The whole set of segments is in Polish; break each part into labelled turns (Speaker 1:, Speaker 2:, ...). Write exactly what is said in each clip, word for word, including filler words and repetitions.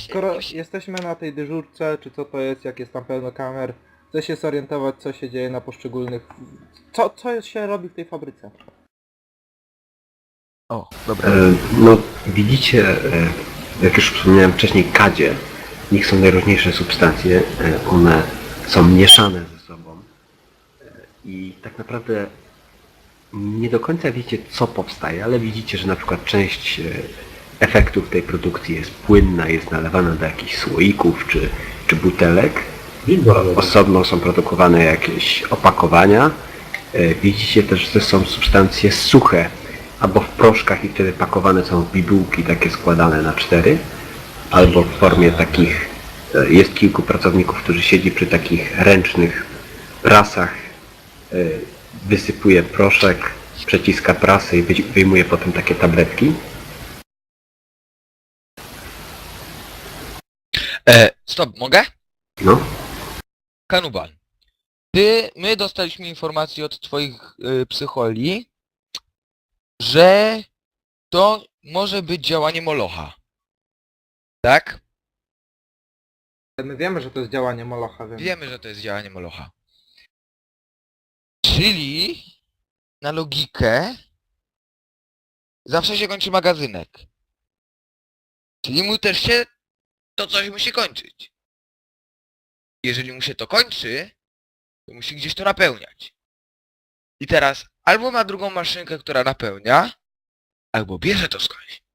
Speaker 1: Właśnie,
Speaker 2: skoro
Speaker 1: właśnie.
Speaker 2: jesteśmy na tej dyżurce, czy co to jest, jak jest tam pełno kamer, chcę się zorientować, co się dzieje na poszczególnych... Co, co się robi w tej fabryce?
Speaker 1: O, dobra.
Speaker 3: E, No, widzicie, e, jak już wspomniałem wcześniej, kadzie. W nich są najróżniejsze substancje. e, One są mieszane ze sobą. E, I tak naprawdę nie do końca wiecie, co powstaje, ale widzicie, że na przykład część e, efektów tej produkcji jest płynna, jest nalewana do jakichś słoików czy, czy butelek. Osobno są produkowane jakieś opakowania. E, Widzicie też, że są substancje suche, albo w proszkach i wtedy pakowane są w bibułki takie składane na cztery, albo w formie takich, e, jest kilku pracowników, którzy siedzi przy takich ręcznych prasach, e, wysypuje proszek, przeciska prasę i wyj- wyjmuje potem takie tabletki.
Speaker 1: E, stop, mogę?
Speaker 3: No,
Speaker 1: Kanubal. Ty, my dostaliśmy informację od twoich y, psycholi, że to może być działanie Molocha. Tak?
Speaker 2: My wiemy, że to jest działanie Molocha, wiemy.
Speaker 1: Wiemy, że to jest działanie Molocha. Czyli na logikę zawsze się kończy magazynek. Czyli mu też się to coś musi kończyć. Jeżeli mu się to kończy, to musi gdzieś to napełniać. I teraz albo ma drugą maszynkę, która napełnia, albo bierze to skądś.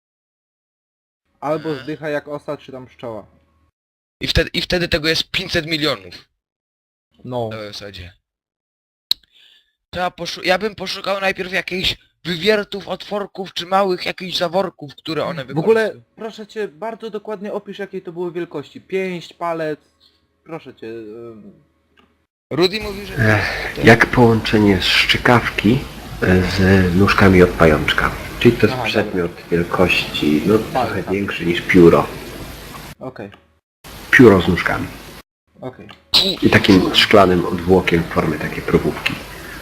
Speaker 2: Albo zdycha jak osa, czy tam pszczoła.
Speaker 1: I wtedy, i wtedy tego jest pięćset milionów
Speaker 2: No.
Speaker 1: na zasadzie. Trzeba poszu- ja bym poszukał najpierw jakichś wywiertów, otworków, czy małych jakichś zaworków, które one
Speaker 2: W ogóle,
Speaker 1: wykorzystują.
Speaker 2: proszę cię, bardzo dokładnie opisz, jakiej to były wielkości. Pięść, palec... Proszę cię... ym,
Speaker 1: Rudy mówił, że...
Speaker 3: Ech, jak połączenie szczykawki e, z nóżkami od pajączka. Czyli to jest
Speaker 2: Aha,
Speaker 3: przedmiot wielkości, no trochę
Speaker 2: Palca.
Speaker 3: większy niż pióro.
Speaker 2: Okej,
Speaker 3: Pióro z nóżkami.
Speaker 2: okej.
Speaker 3: I takim szklanym odwłokiem w formie takiej probówki.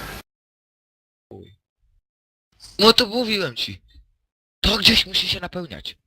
Speaker 1: No to mówiłem ci. To gdzieś musi się napełniać.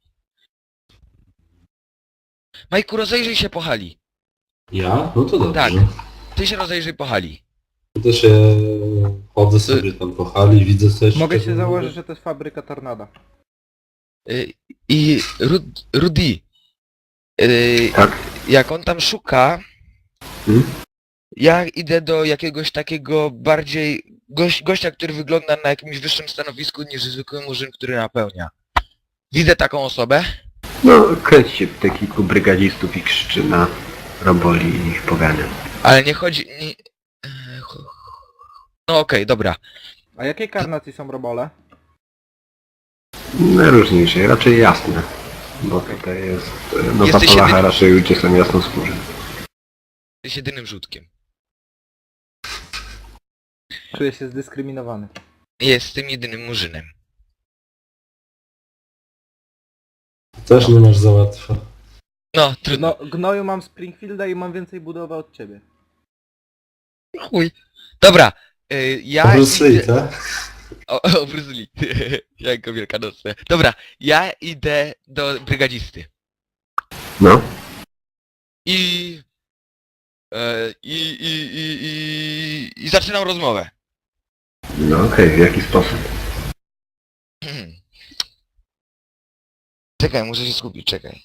Speaker 1: Majku, rozejrzyj się po hali.
Speaker 4: Ja? No to dobrze.
Speaker 1: Tak. Ty się rozejrzyj po hali.
Speaker 4: To też ja chodzę sobie tam po hali, widzę coś.
Speaker 2: Mogę się
Speaker 4: czego
Speaker 2: założyć,
Speaker 4: mogę-
Speaker 2: że to jest fabryka Tornada.
Speaker 1: Y, I Rud Rudy, y,
Speaker 3: Tak?
Speaker 1: jak on tam szuka,
Speaker 3: Hmm?
Speaker 1: ja idę do jakiegoś takiego bardziej... Goś, gościa, który wygląda na jakimś wyższym stanowisku niż zwykły murzyn, który napełnia. Widzę taką osobę.
Speaker 3: No, kręci się te kilku brygadzistów i krzyczy na roboli i ich pogania.
Speaker 1: Ale nie chodzi... Nie... e, cho- No okej, dobra.
Speaker 2: A jakiej karnacji są robole?
Speaker 3: Najróżniejsze, raczej jasne. Bo tutaj jest... e, No
Speaker 1: Jesteś
Speaker 3: papalacha
Speaker 1: jedyny-
Speaker 3: raczej ludzie są jasnoskórzy.
Speaker 1: Jesteś jedynym rzutkiem.
Speaker 2: Czuję się zdyskryminowany.
Speaker 1: Jestem jedynym murzynem.
Speaker 4: Też nie masz za łatwo.
Speaker 1: No, trudno.
Speaker 2: No, gnoju mam Springfielda i mam więcej budowy od ciebie.
Speaker 1: Chuj. Dobra, y, ja...
Speaker 4: Bruce Lee,
Speaker 1: idę-
Speaker 4: tak?
Speaker 1: O, o Bruce Lee. Jako wielkanocne. Dobra, ja idę do brygadzisty.
Speaker 3: No,
Speaker 1: I... e, I, i, i, i, i zaczynam rozmowę.
Speaker 3: no okej, w jaki sposób?
Speaker 1: Czekaj, muszę się skupić, czekaj.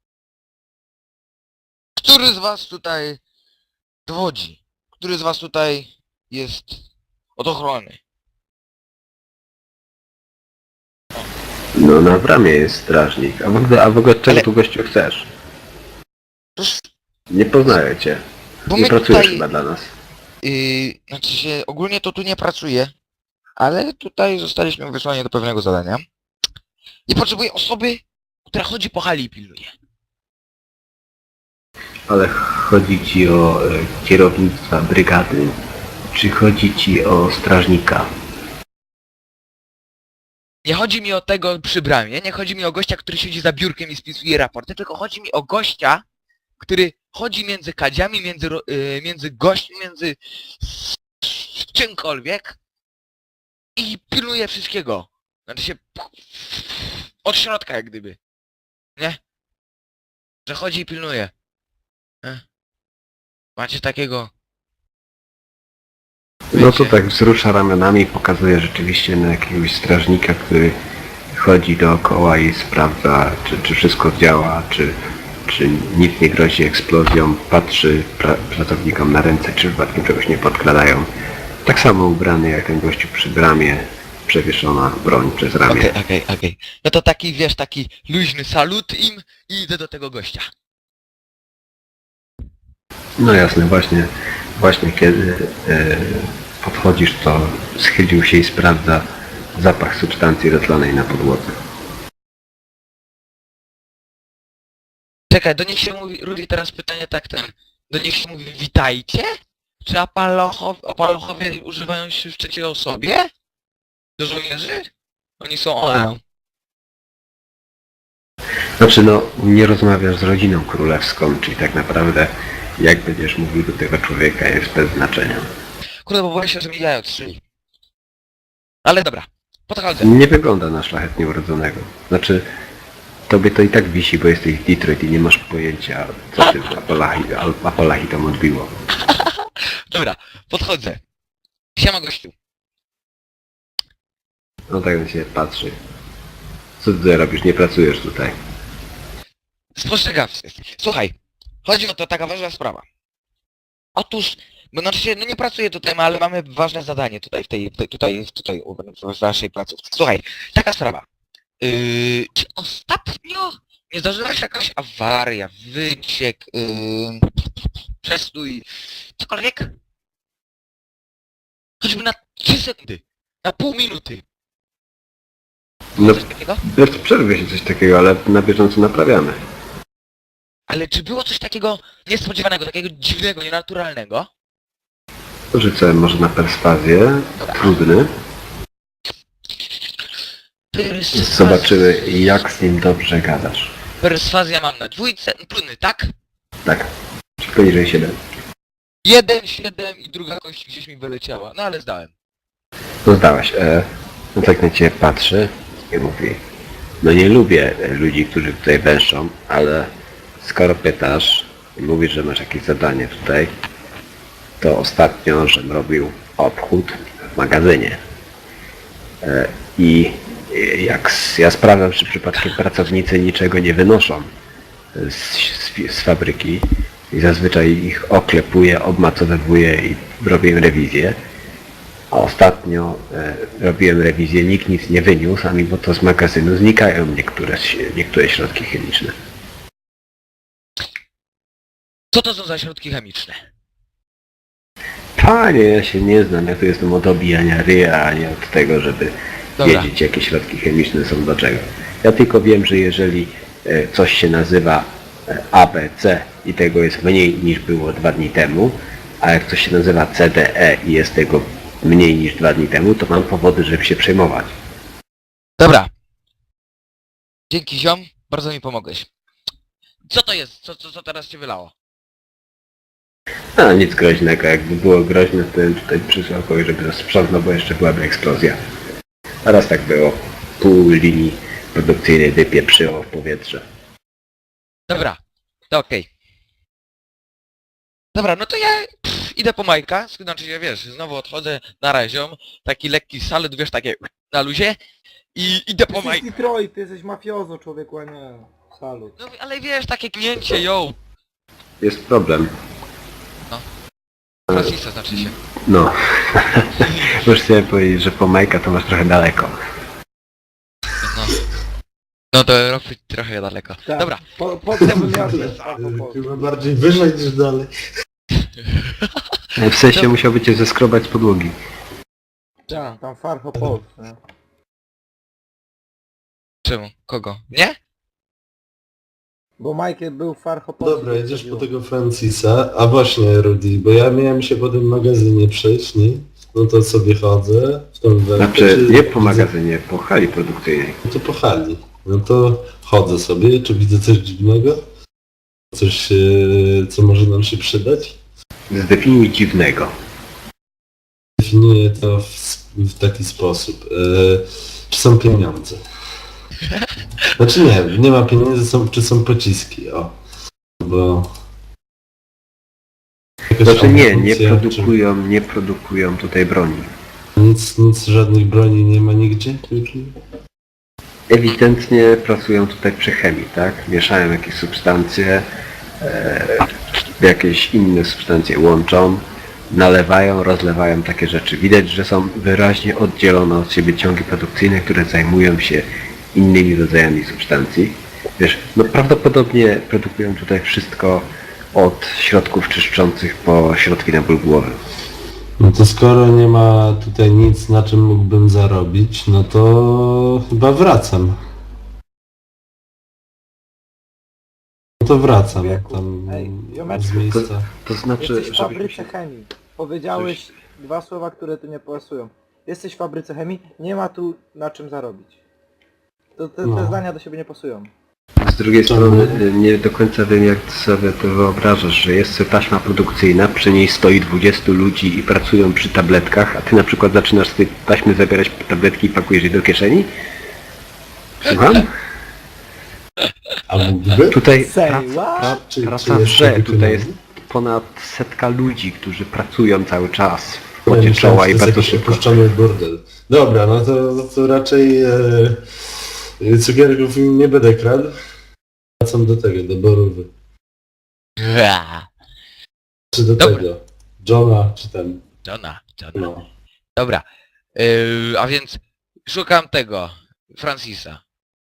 Speaker 1: Który z was tutaj dowodzi? Który z was tutaj jest od ochrony?
Speaker 3: No na bramie jest strażnik. A w ogóle, a w ogóle czego
Speaker 1: Ale-
Speaker 3: tu gościu chcesz?
Speaker 1: Toż,
Speaker 3: Nie poznaję cię.
Speaker 1: bo
Speaker 3: Nie
Speaker 1: my
Speaker 3: pracujesz
Speaker 1: tutaj...
Speaker 3: chyba dla nas.
Speaker 1: Yy, znaczy się, ogólnie to tu nie pracuję, ale tutaj zostaliśmy wysłani do pewnego zadania. I potrzebuję osoby, która chodzi po hali i pilnuje.
Speaker 3: Ale chodzi ci o e, kierownictwa brygady? Czy chodzi ci o strażnika?
Speaker 1: Nie chodzi mi o tego przy bramie, nie chodzi mi o gościa, który siedzi za biurkiem i spisuje raporty, tylko chodzi mi o gościa, który chodzi między kadziami, między, ro- yy, między gośćmi, między s- s- czymkolwiek i pilnuje wszystkiego. Znaczy się od środka jak gdyby. Nie? że chodzi i pilnuje. E? Macie takiego...
Speaker 3: No to
Speaker 1: Wiecie?
Speaker 3: tak wzrusza ramionami i pokazuje rzeczywiście na jakiegoś strażnika, który chodzi dookoła i sprawdza, czy, czy wszystko działa, czy, czy nic nie grozi eksplozją, patrzy pra pracownikom na ręce, czy przypadkiem czegoś nie podkradają. Tak samo ubrany jak ten gościu przy bramie, przewieszona broń przez ramię.
Speaker 1: Okej, okej, okej. No to taki, wiesz, taki luźny salut im i idę do tego gościa.
Speaker 3: No jasne, właśnie, właśnie kiedy e, podchodzisz, to schylił się i sprawdza zapach substancji rozlanej na podłodze.
Speaker 1: Czekaj, do nich się mówi, Rudy, teraz pytanie tak ten, do nich się mówi witajcie? Czy apalochowie, apalochowie używają się w trzeciej osobie? Do żołnierzy? Oni są one.
Speaker 3: Znaczy no, nie rozmawiasz z rodziną królewską, czyli tak naprawdę jak będziesz mówił do tego człowieka jest bez znaczenia.
Speaker 1: Kurde, bo boję się, że mi jaja odstrzeli. Ale dobra, podchodzę.
Speaker 3: Nie wygląda na szlachetnie urodzonego. Znaczy, tobie to i tak wisi, bo jesteś w Detroit i nie masz pojęcia, co ty w Apalachi, Al- Apalachi tam odbiło.
Speaker 1: Dobra, podchodzę. Siema gościu.
Speaker 3: No tak on się patrzy. Co ty tutaj robisz? Nie pracujesz tutaj.
Speaker 1: Spostrzegawcy. Słuchaj, chodzi o to taka ważna sprawa. Otóż, bo znaczy się, no nie pracuję tutaj, ale mamy ważne zadanie tutaj, w tej, tutaj, tutaj, tutaj w naszej placówce. Słuchaj, taka sprawa. Yy, czy ostatnio nie zdarzyła się jakaś awaria, wyciek, yy, przestój, cokolwiek? Choćby na trzy sekundy, na pół minuty.
Speaker 3: No,
Speaker 1: Coś takiego?
Speaker 3: wiesz, przerwie się coś takiego, ale na bieżąco naprawiamy.
Speaker 1: Ale czy było coś takiego niespodziewanego, takiego dziwnego, nienaturalnego?
Speaker 3: Rzucę może na perswazję. Trudny.
Speaker 1: Perswazja.
Speaker 3: Zobaczymy, jak z nim dobrze gadasz.
Speaker 1: Perswazja mam na dwójce, trudny, tak?
Speaker 3: Tak. Czy poniżej siedem.
Speaker 1: Jeden, siedem i druga kość gdzieś mi wyleciała, no ale zdałem.
Speaker 3: No zdałeś. E, no tak na ciebie patrzy i mówi. No nie lubię e, ludzi, którzy tutaj węszą, ale skoro pytasz i mówisz, że masz jakieś zadanie tutaj, to ostatnio, żem robił obchód w magazynie. E, I e, jak s- ja sprawdzam, czy przypadkiem pracownicy niczego nie wynoszą z, z, z fabryki i zazwyczaj ich oklepuję, obmacowywuję i robię im rewizję. A ostatnio e, robiłem rewizję, nikt nic nie wyniósł, a mimo to z magazynu znikają niektóre, ś- niektóre środki chemiczne.
Speaker 1: Co to są za środki chemiczne?
Speaker 3: Panie, ja się nie znam, ja tu jestem od obijania ryja, a nie od tego, żeby
Speaker 1: Dobra.
Speaker 3: wiedzieć, jakie środki chemiczne są do czego. Ja tylko wiem, że jeżeli e, coś się nazywa e, A B C i tego jest mniej niż było dwa dni temu, a jak coś się nazywa C D E i jest tego mniej niż dwa dni temu, to mam powody, żeby się przejmować.
Speaker 1: Dobra. Dzięki ziom, bardzo mi pomogłeś. Co to jest? Co, co, co teraz cię wylało?
Speaker 3: A nic groźnego, jakby było groźne, to bym tutaj przysłał kogoś, żeby sprzątnął, bo jeszcze byłaby eksplozja. A raz tak było. Pół linii produkcyjnej wypieprzyło w powietrze.
Speaker 1: Dobra, to okej. Dobra, no to ja pff, idę po Majka, znaczy się wiesz, znowu odchodzę na raziom, taki lekki salut, wiesz, takie na luzie i idę po
Speaker 2: Jesteś
Speaker 1: Majka.
Speaker 2: Detroit, ty jesteś mafiozo, człowieku, a nie. Salut.
Speaker 1: No ale wiesz, takie knięcie, yo!
Speaker 3: Jest problem.
Speaker 1: Francisa znaczy się.
Speaker 3: No. Już chciałem powiedzieć, że po Majka to masz trochę daleko.
Speaker 1: No. No to Europy trochę daleko.
Speaker 2: Tak.
Speaker 1: Dobra,
Speaker 2: Po, po co bym jadł?
Speaker 4: Chyba bardziej wyżej niż dalej.
Speaker 3: W sensie musiałby cię zeskrobać z podłogi.
Speaker 2: Tak, tam Farhopol.
Speaker 1: czemu? Kogo? Nie?
Speaker 2: Bo Michael był w Farhopol.
Speaker 4: Dobra, jedziesz po tego Francisa. A właśnie, Rudy, bo ja miałem się po tym magazynie przejść, nie? No to sobie chodzę w tą wełnę.
Speaker 3: Znaczy, nie po magazynie, po hali produkcyjnej.
Speaker 4: No to po hali. No to chodzę sobie, czy widzę coś dziwnego? Coś, e, co może nam się przydać?
Speaker 3: Zdefiniuj dziwnego.
Speaker 4: Definiuję to w, w taki sposób. E, czy są pieniądze? Znaczy nie, nie ma pieniędzy, są, czy są pociski, o. bo... jakaś
Speaker 3: Znaczy nie, nie
Speaker 4: amunicja,
Speaker 3: produkują, nie produkują tutaj broni.
Speaker 4: czy Nic, nic, żadnych broni nie ma nigdzie?
Speaker 3: Ewidentnie pracują tutaj przy chemii, tak? Mieszają jakieś substancje, e, jakieś inne substancje łączą, nalewają, rozlewają takie rzeczy. Widać, że są wyraźnie oddzielone od siebie ciągi produkcyjne, które zajmują się innymi rodzajami substancji. Wiesz, no prawdopodobnie produkują tutaj wszystko od środków czyszczących po środki na ból głowy.
Speaker 4: No to skoro nie ma tutaj nic, na czym mógłbym zarobić, no to chyba wracam. No to wracam
Speaker 2: Wieku.
Speaker 4: tam
Speaker 2: Ej,
Speaker 4: z
Speaker 2: Jomeczku.
Speaker 4: miejsca.
Speaker 3: To znaczy,
Speaker 2: Jesteś w
Speaker 3: żeby...
Speaker 2: fabryce chemii. Powiedziałeś dwa słowa, które tu nie pasują. Jesteś w fabryce chemii, nie ma tu na czym zarobić. To, te, te
Speaker 4: No.
Speaker 2: zdania do siebie nie pasują.
Speaker 3: Z drugiej
Speaker 4: Czemu?
Speaker 3: strony y, nie do końca wiem, jak sobie to wyobrażasz, że jest sobie taśma produkcyjna, przy niej stoi dwudziestu ludzi i pracują przy tabletkach, a ty na przykład zaczynasz z tej taśmy zabierać tabletki i pakujesz je do kieszeni? Słucham?
Speaker 4: A mógłby?
Speaker 3: Tutaj
Speaker 2: Say
Speaker 3: praca,
Speaker 2: what?
Speaker 3: pra,
Speaker 4: Czy-
Speaker 3: praca
Speaker 4: czy
Speaker 3: w
Speaker 4: jest
Speaker 3: grze,
Speaker 4: taki
Speaker 3: tutaj jest
Speaker 4: pieniądze?
Speaker 3: ponad setka ludzi, którzy pracują cały czas w
Speaker 4: Ja
Speaker 3: pocie
Speaker 4: myślałem,
Speaker 3: czoła
Speaker 4: że
Speaker 3: i
Speaker 4: to jest
Speaker 3: bardzo
Speaker 4: jakiś
Speaker 3: szybko.
Speaker 4: opuszczony burdel. Dobra, no to, no to raczej e, cukierków nie będę kradł. Wracam do tego, do Borówy.
Speaker 1: Ra.
Speaker 4: Czy do
Speaker 1: Dobra.
Speaker 4: tego. Johna, czy ten.
Speaker 1: Jona, Jona.
Speaker 4: No.
Speaker 1: Dobra. Yy, a więc szukam tego, Francisa.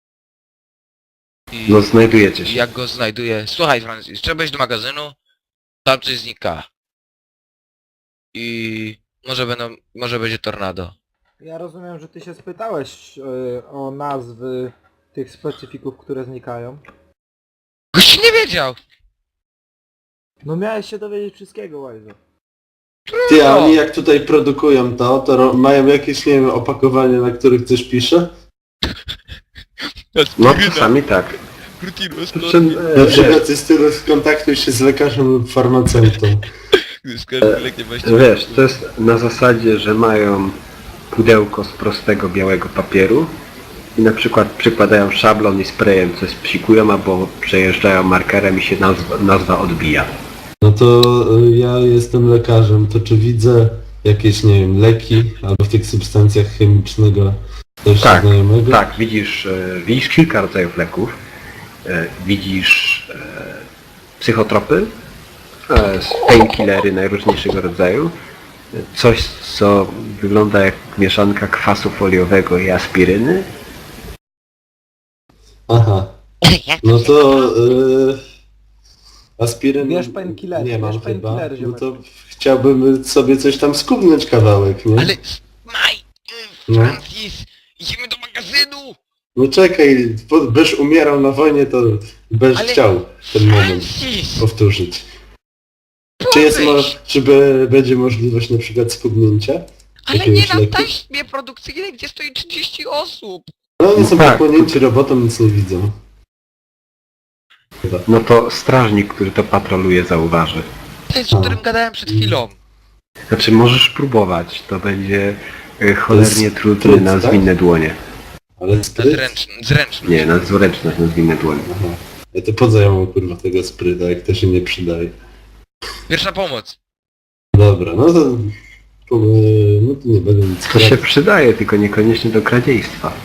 Speaker 1: I
Speaker 3: No znajdujecie się.
Speaker 1: jak go znajduję... Słuchaj Francis, trzeba iść do magazynu, tam coś znika. I może będą, może będzie tornado.
Speaker 2: Ja rozumiem, że ty się spytałeś e, o nazwy tych specyfików, które znikają.
Speaker 1: Gość nie wiedział!
Speaker 2: No miałeś się dowiedzieć wszystkiego, Łajzo.
Speaker 4: Ty, a
Speaker 1: No.
Speaker 4: oni jak tutaj produkują to, to ro- mają jakieś, nie wiem, opakowanie, na których coś pisze?
Speaker 3: No czasami tak. Czym, e,
Speaker 4: Na
Speaker 3: wiesz,
Speaker 4: przykład jest tyle skontaktuj się z lekarzem lub farmaceutą.
Speaker 3: Wiesz, to jest na zasadzie, że mają pudełko z prostego białego papieru i na przykład przykładają szablon i sprayem coś psikują, albo przejeżdżają markerem i się nazwa, nazwa odbija.
Speaker 4: No to y, ja jestem lekarzem, to czy widzę jakieś, nie wiem, leki albo w tych substancjach chemicznego coś
Speaker 3: Tak,
Speaker 4: znajomego?
Speaker 3: Tak, widzisz, e, widzisz kilka rodzajów leków, e, widzisz e, psychotropy, e, painkillery najróżniejszego rodzaju, e, coś co wygląda jak mieszanka kwasu foliowego i aspiryny.
Speaker 4: Aha, no to y, aspiryn
Speaker 2: Bierz painkillery,
Speaker 4: nie mam
Speaker 2: bierz
Speaker 4: chyba,
Speaker 2: painkillery,
Speaker 4: no to
Speaker 2: ziomeczku.
Speaker 4: chciałbym sobie coś tam skubnąć kawałek, nie?
Speaker 1: Ale... Maj!
Speaker 4: No.
Speaker 1: Francis! Idziemy do magazynu!
Speaker 4: No czekaj, bo- byś umierał na wojnie, to byś
Speaker 1: Ale-
Speaker 4: chciał ten moment
Speaker 1: Francis!
Speaker 4: powtórzyć. Czy jest mo-
Speaker 1: Podejdź!
Speaker 4: czy by, będzie możliwość na przykład skubnięcia?
Speaker 1: Ale
Speaker 4: jakiegoś
Speaker 1: nie na
Speaker 4: leku?
Speaker 1: taśmie produkcyjnej, gdzie stoi trzydzieści osób!
Speaker 4: No oni są
Speaker 3: Tak.
Speaker 4: pochłonięci robotą, nic nie widzą. Chyba.
Speaker 3: No to strażnik, który to patroluje, zauważy.
Speaker 1: To jest, o którym gadałem przed chwilą.
Speaker 3: Znaczy możesz próbować, to będzie e, cholernie
Speaker 4: jest
Speaker 3: trudny
Speaker 4: trud,
Speaker 3: na
Speaker 4: tak?
Speaker 3: zwinne dłonie.
Speaker 4: Ale
Speaker 1: Na
Speaker 4: spryt?
Speaker 1: zręczny, zręczny.
Speaker 3: Nie, na zręczność na zwinne dłonie.
Speaker 4: Aha. Ja to po co ja mam kurwa tego spryta, jak to się nie przydaje.
Speaker 1: Pierwsza pomoc.
Speaker 4: Dobra, no to... po- No to nie będę nic
Speaker 3: To się
Speaker 4: kradł.
Speaker 3: przydaje, tylko niekoniecznie do kradziejstwa.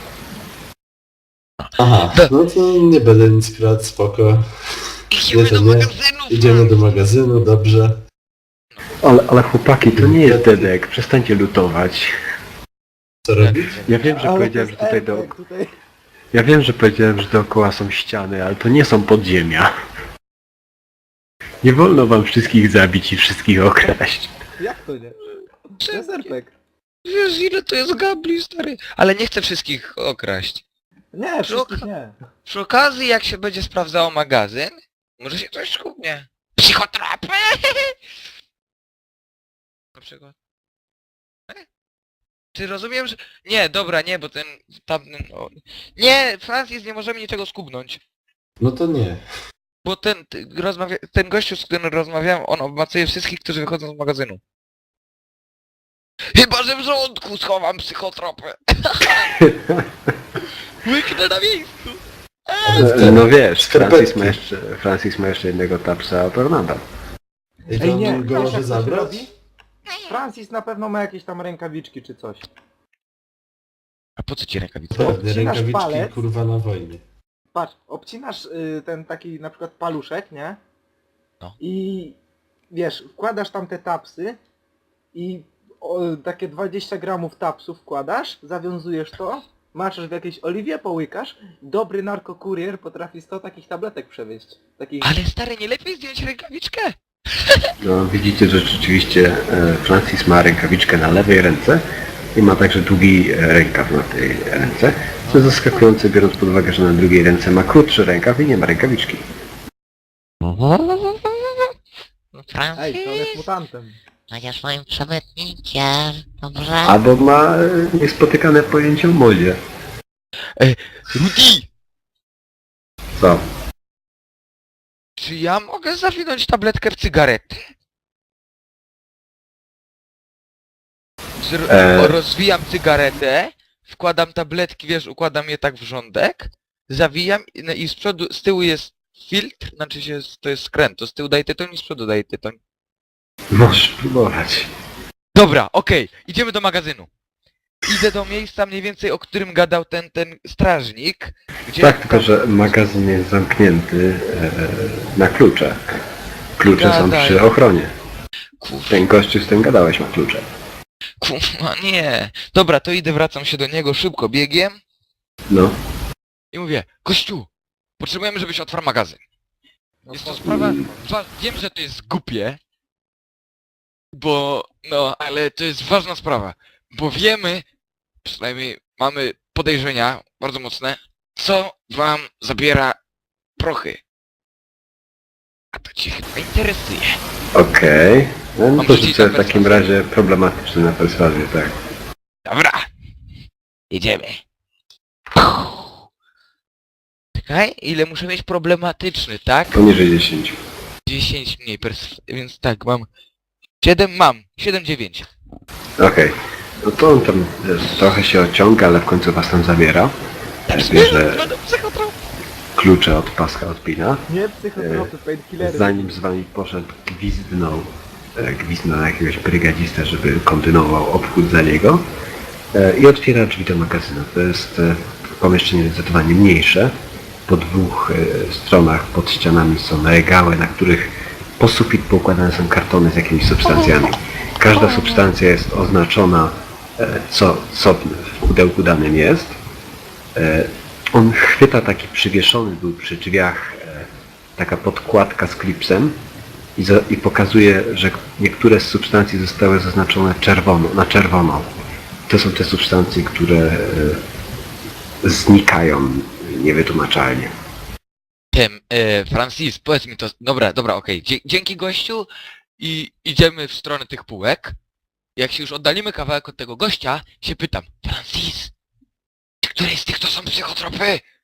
Speaker 4: Aha, no to nie będę nic kradł, spoko.
Speaker 1: Idziemy
Speaker 4: Nie, to
Speaker 1: do
Speaker 4: nie.
Speaker 1: magazynu!
Speaker 4: Idziemy do magazynu, dobrze.
Speaker 3: Ale, ale chłopaki, to nie jest dedek, przestańcie lutować.
Speaker 4: Co robić?
Speaker 3: Ja wiem, że
Speaker 2: Ale
Speaker 3: powiedziałem,
Speaker 2: to
Speaker 3: że
Speaker 2: jest
Speaker 3: tutaj do...
Speaker 2: efekt, tutaj...
Speaker 3: Ja wiem, że powiedziałem, że dookoła są ściany, ale to nie są podziemia. Nie wolno wam wszystkich zabić i wszystkich okraść.
Speaker 2: Jak to nie? To jest erpek.
Speaker 1: Wiesz ile to jest gabli, stary? Ale nie chcę wszystkich okraść.
Speaker 2: Nie, wszystkich nie.
Speaker 1: Przy okazji, jak się będzie sprawdzało magazyn, może się coś skubnie. Psychotropy! Na przykład. E? Czy rozumiem, że... Nie, dobra, nie, bo ten... tamten... O... Nie, Francis, nie możemy niczego skubnąć.
Speaker 4: No to nie.
Speaker 1: Bo ten, ty- rozmawia... ten gościu, z którym rozmawiałem, on obmacuje wszystkich, którzy wychodzą z magazynu. Chyba, że w żołądku schowam psychotropy. Łyknę na miejscu.
Speaker 3: E, No wiesz,
Speaker 4: Skarpetki.
Speaker 3: Francis ma jeszcze, Francis ma jeszcze jednego tapsa o tornado.
Speaker 4: I
Speaker 2: Ej
Speaker 4: to
Speaker 2: nie,
Speaker 4: on go
Speaker 2: wiesz
Speaker 4: może
Speaker 2: jak to się
Speaker 4: zabrać?
Speaker 2: robi? Francis na pewno ma jakieś tam rękawiczki czy coś.
Speaker 1: A po co ci rękawice?
Speaker 4: Pewnie,
Speaker 2: Obcinasz
Speaker 4: rękawiczki
Speaker 2: palec.
Speaker 4: kurwa na wojnie.
Speaker 2: Patrz, obcinasz y, ten taki na przykład paluszek, nie?
Speaker 1: No.
Speaker 2: I wiesz, wkładasz tam te tapsy i o, takie dwadzieścia gramów tapsów wkładasz, zawiązujesz to, maczasz w jakiejś oliwie, połykasz, dobry narkokurier potrafi sto takich tabletek przewieźć. Takich...
Speaker 1: Ale stary, nie lepiej zdjąć rękawiczkę?
Speaker 3: No widzicie, że rzeczywiście e, Francis ma rękawiczkę na lewej ręce i ma także długi e, rękaw na tej ręce. Co jest zaskakujące, biorąc pod uwagę, że na drugiej ręce ma krótszy rękaw i nie ma rękawiczki.
Speaker 2: Ej, to on jest
Speaker 5: Francis,
Speaker 2: mutantem.
Speaker 5: będziesz moim przemytnikiem, dobrze?
Speaker 3: Albo ma e, niespotykane pojęcie o modzie.
Speaker 1: Rudy!
Speaker 3: Co?
Speaker 1: Czy ja mogę zawinąć tabletkę w cygaretę? Czy ro-
Speaker 3: E.
Speaker 1: rozwijam cygaretę, wkładam tabletki, wiesz, układam je tak w rządek, zawijam i, no, i z przodu, z tyłu jest filtr, znaczy się, to jest skręt, to z tyłu daje tytoń i z przodu daje tytoń.
Speaker 3: Możesz próbować.
Speaker 1: Dobra, okej, idziemy do magazynu. Idę do miejsca mniej więcej, o którym gadał ten, ten strażnik, gdzie...
Speaker 3: Tak, tylko że magazyn jest zamknięty e, na klucze. Klucze są
Speaker 1: Gadaj.
Speaker 3: przy ochronie.
Speaker 1: Kurwa,
Speaker 3: Ten gościu, z tym gadałeś, ma klucze.
Speaker 1: kurwa, nie. Dobra, to idę, wracam się do niego szybko biegiem
Speaker 3: No.
Speaker 1: i mówię, gościu, potrzebujemy, żebyś otwarł magazyn.
Speaker 2: No
Speaker 1: Jest to
Speaker 2: po-
Speaker 1: sprawa... wa- Wiem, że to jest głupie, bo... no, ale to jest ważna sprawa, bo wiemy, przynajmniej mamy podejrzenia bardzo mocne, co wam zabiera prochy. A to cię chyba interesuje.
Speaker 3: Okej. No, no
Speaker 1: Mam
Speaker 3: to
Speaker 1: rzucić
Speaker 3: rzucę
Speaker 1: na
Speaker 3: w takim
Speaker 1: perswazję.
Speaker 3: razie problematyczne na perswazję, tak.
Speaker 1: Dobra, idziemy. Czekaj, ile muszę mieć problematyczny, tak?
Speaker 3: Poniżej dziesięć.
Speaker 1: dziesięć mniej perswazji, więc tak, mam... siedem mam, siedem dziewięć.
Speaker 3: Okej. No to on tam e, trochę się ociąga, ale w końcu was tam zabiera. Bierze
Speaker 1: Będę psychotrop.
Speaker 3: klucze od paska odpina.
Speaker 2: Nie psychotropy, painkillery.
Speaker 3: Zanim z wami poszedł, gwizdnął, e, gwizdnął na jakiegoś brygadzistę, żeby kontynuował obchód za niego. E, I otwiera drzwi do magazynu. To jest e, pomieszczenie zdecydowanie mniejsze. Po dwóch e, stronach pod ścianami są regały, na których po sufit poukładane są kartony z jakimiś substancjami. Każda substancja jest oznaczona, e, co, co w pudełku danym jest. E, On chwyta taki przywieszony był przy drzwiach e, taka podkładka z klipsem i, za, i pokazuje, że niektóre z substancji zostały zaznaczone czerwono, na czerwono. To są te substancje, które e, znikają niewytłumaczalnie.
Speaker 1: Tym, e, Francis, powiedz mi to... Dobra, dobra, okej. Dzie- Dzięki gościu i idziemy w stronę tych półek. Jak się już oddalimy kawałek od tego gościa, się pytam, Francis, czy któreś z tych to są psychotropy?